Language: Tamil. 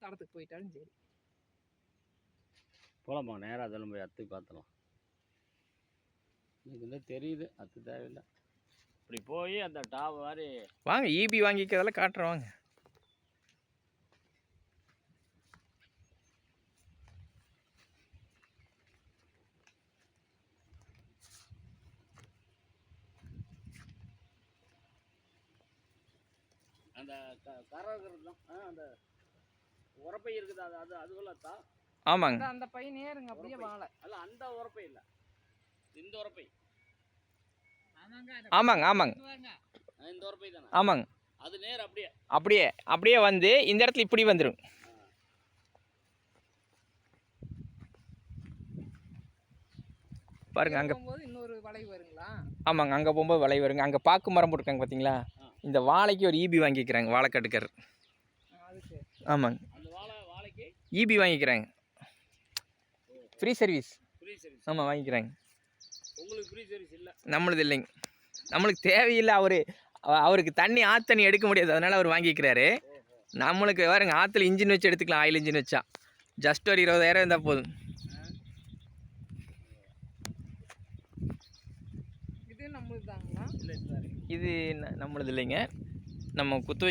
தடத்துக்கு போயிட்டாலும் சரி. போகலாமா நேராக அதெல்லாம் போய் அத்து பார்த்துலாம். எனக்கு வந்து தெரியுது அத்து தேவையில்லை. இப்படி போய் அந்த டாப் மாதிரி வாங்க ஈபி வாங்கிக்கிறதெல்லாம் காட்டுறேன் வாங்க. அந்த கரை இருக்கிறது தான் அந்த உரப்பை இருக்குது. அது அது அதுவெல்லாம் ஆமாங்க. அந்த பை நேருங்க அப்படியே வாழை. அல்ல அந்த உரப்பை இல்லை, இந்த உரப்பை. ஆமாங்க ஆமாங்க இந்த உரப்பை தானே. ஆமாங்க. அது நேர் அப்படியே அப்படியே அப்படியே வந்து இந்த இடத்துல இப்படி வந்துடும். பாருங்க அங்கே போகும்போது இன்னொரு வளைவு வருங்களா? ஆமாங்க, அங்கே போகும்போது வளைவு வருங்க. அங்கே பாக்கு மரம் போட்டிருக்காங்க பார்த்தீங்களா, இந்த வாழைக்கு ஒரு ஈபி வாங்கிக்கிறாங்க வாழைக்கட்டுக்காரர். ஆமாங்க, அந்த வாழைக்கு ஈபி வாங்கிக்கிறாங்க, ஃப்ரீ சர்வீஸ். Free service. ஆமாம் வாங்கிக்கிறாங்க. உங்களுக்கு ஃப்ரீ சர்வீஸ் இல்லை? நம்மளுது இல்லைங்க, நம்மளுக்கு தேவையில்லை. அவருக்கு தண்ணி ஆற்று எடுக்க முடியாது, அதனால் அவர் வாங்கிக்கிறாரு. நம்மளுக்கு பாருங்க ஆற்றுல இன்ஜின் வச்சு எடுத்துக்கலாம், ஆயில் இன்ஜின் வச்சா ஜஸ்ட் ஒரு 20,000 இருந்தால் போதும். இது நம்மளுதாங்களா? இது நம்மளது இல்லைங்க, நம்ம குத்து